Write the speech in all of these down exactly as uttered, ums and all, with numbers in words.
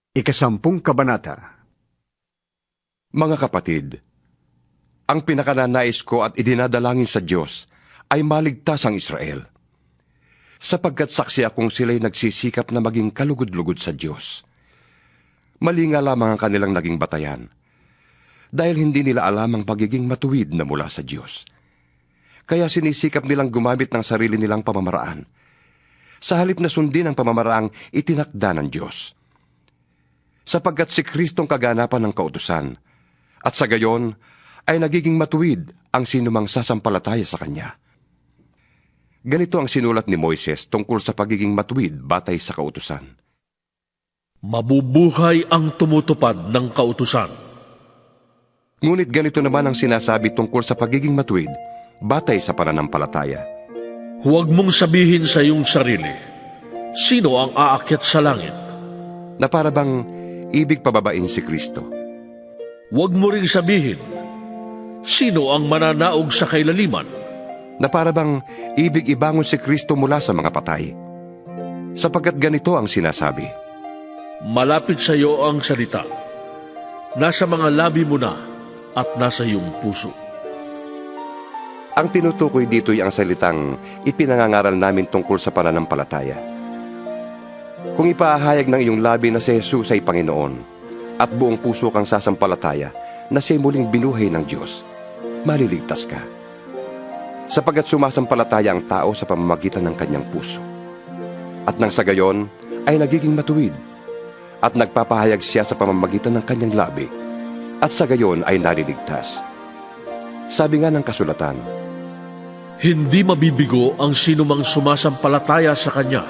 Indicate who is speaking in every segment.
Speaker 1: Ikasampung Kabanata.
Speaker 2: Mga kapatid, ang pinakananais ko at idinadalangin sa Diyos ay maligtas ang Israel, sapagkat saksi akong sila'y nagsisikap na maging kalugod-lugod sa Diyos. Mali nga lamang ang kanilang naging batayan, dahil hindi nila alam ang pagiging matuwid na mula sa Diyos. Kaya sinisikap nilang gumamit ng sarili nilang pamamaraan, sa halip na sundin ang pamamaraang itinakda ng Diyos. Sapagkat si Kristong kaganapan ng kautusan, at sa gayon ay nagiging matuwid ang sinumang sasampalataya sa Kanya. Ganito ang sinulat ni Moises tungkol sa pagiging matuwid batay sa kautusan.
Speaker 3: Mabubuhay ang tumutupad ng kautusan.
Speaker 2: Ngunit ganito naman ang sinasabi tungkol sa pagiging matuwid batay sa pananampalataya.
Speaker 3: Huwag mong sabihin sa iyong sarili, sino ang aakyat sa langit?
Speaker 2: Na para bang ibig pababain si Kristo.
Speaker 3: Huwag mo ring sabihin, sino ang mananaog sa kailaliman?
Speaker 2: Na para bang ibig ibangon si Kristo mula sa mga patay. Sapagkat ganito ang sinasabi.
Speaker 3: Malapit sa iyo ang salita. Nasa mga labi mo na at nasa iyong puso.
Speaker 2: Ang tinutukoy dito'y ang salitang ipinangangaral namin tungkol sa pananampalataya. Kung ipaahayag ng iyong labi na si Jesus ay Panginoon at buong puso kang sasampalataya na siya'y muling binuhay ng Diyos, maliligtas ka. Sapagkat sumasampalataya ang tao sa pamamagitan ng kanyang puso. At nang sa gayon ay nagiging matuwid at nagpapahayag siya sa pamamagitan ng kanyang labi at sa gayon ay naliligtas. Sabi nga ng kasulatan,
Speaker 3: hindi mabibigo ang sinumang sumasampalataya sa Kanya.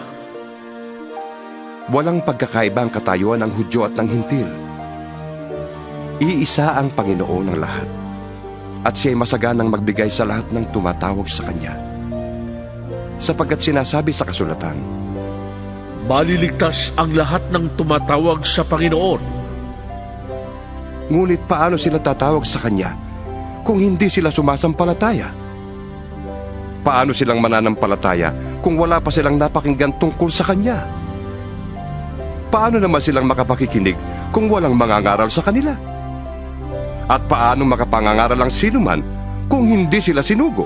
Speaker 2: Walang pagkakaiba ang katayuan ng Hudyo at ng Hintil. Iisa ang Panginoon ng lahat, at siya'y masaganang magbigay sa lahat ng tumatawag sa Kanya. Sapagkat sinasabi sa kasulatan,
Speaker 3: maliligtas ang lahat ng tumatawag sa Panginoon.
Speaker 2: Ngunit paano sila tatawag sa Kanya kung hindi sila sumasampalataya? Paano silang mananampalataya kung wala pa silang napakinggan tungkol sa Kanya? Paano naman silang makapakikinig kung walang mangangaral sa kanila? At paano makapangangaral ang sinuman kung hindi sila sinugo?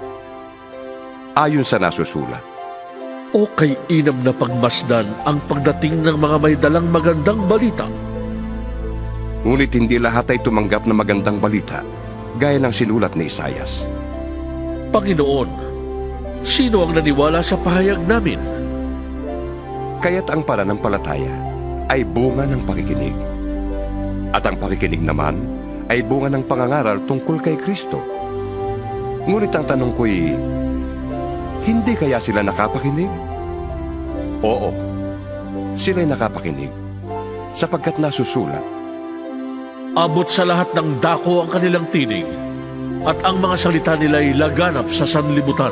Speaker 2: Ayon sa nasusulat,
Speaker 3: o kay inam na pagmasdan ang pagdating ng mga may dalang magandang balita.
Speaker 2: Ngunit hindi lahat ay tumanggap ng magandang balita, gaya ng sinulat ni Isaias.
Speaker 3: Panginoon, sino ang naniwala sa pahayag namin?
Speaker 2: Kaya't ang pananampalataya ay bunga ng pakikinig. At ang pakikinig naman ay bunga ng pangangaral tungkol kay Kristo. Ngunit ang tanong ko'y, hindi kaya sila nakapakinig? Oo, sila'y nakapakinig, sapagkat nasusulat.
Speaker 3: Abot sa lahat ng dako ang kanilang tinig, at ang mga salita nila'y laganap sa sanlibutan.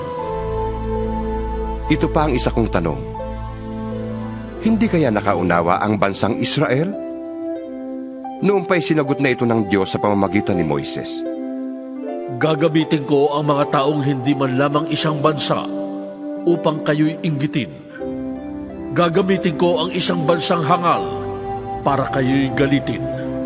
Speaker 2: Ito pa ang isa kong tanong. Hindi kaya nakaunawa ang bansang Israel? Noon pa'y sinagot na ito ng Diyos sa pamamagitan ni Moises.
Speaker 3: Gagamitin ko ang mga taong hindi man lamang isang bansa upang kayo'y inggitin. Gagamitin ko ang isang bansang hangal para kayo'y galitin.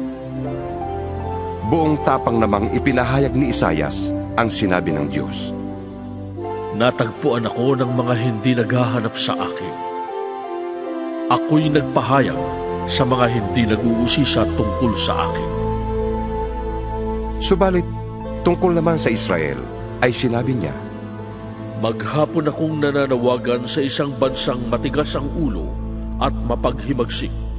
Speaker 2: Buong tapang namang ipinahayag ni Isaias ang sinabi ng Diyos.
Speaker 3: Natagpuan ako ng mga hindi naghahanap sa akin. Ako'y nagpahayag sa mga hindi nag-uusisa tungkol sa akin.
Speaker 2: Subalit, tungkol naman sa Israel, ay sinabi niya,
Speaker 3: maghapon akong nananawagan sa isang bansang matigas ang ulo at mapaghimagsik.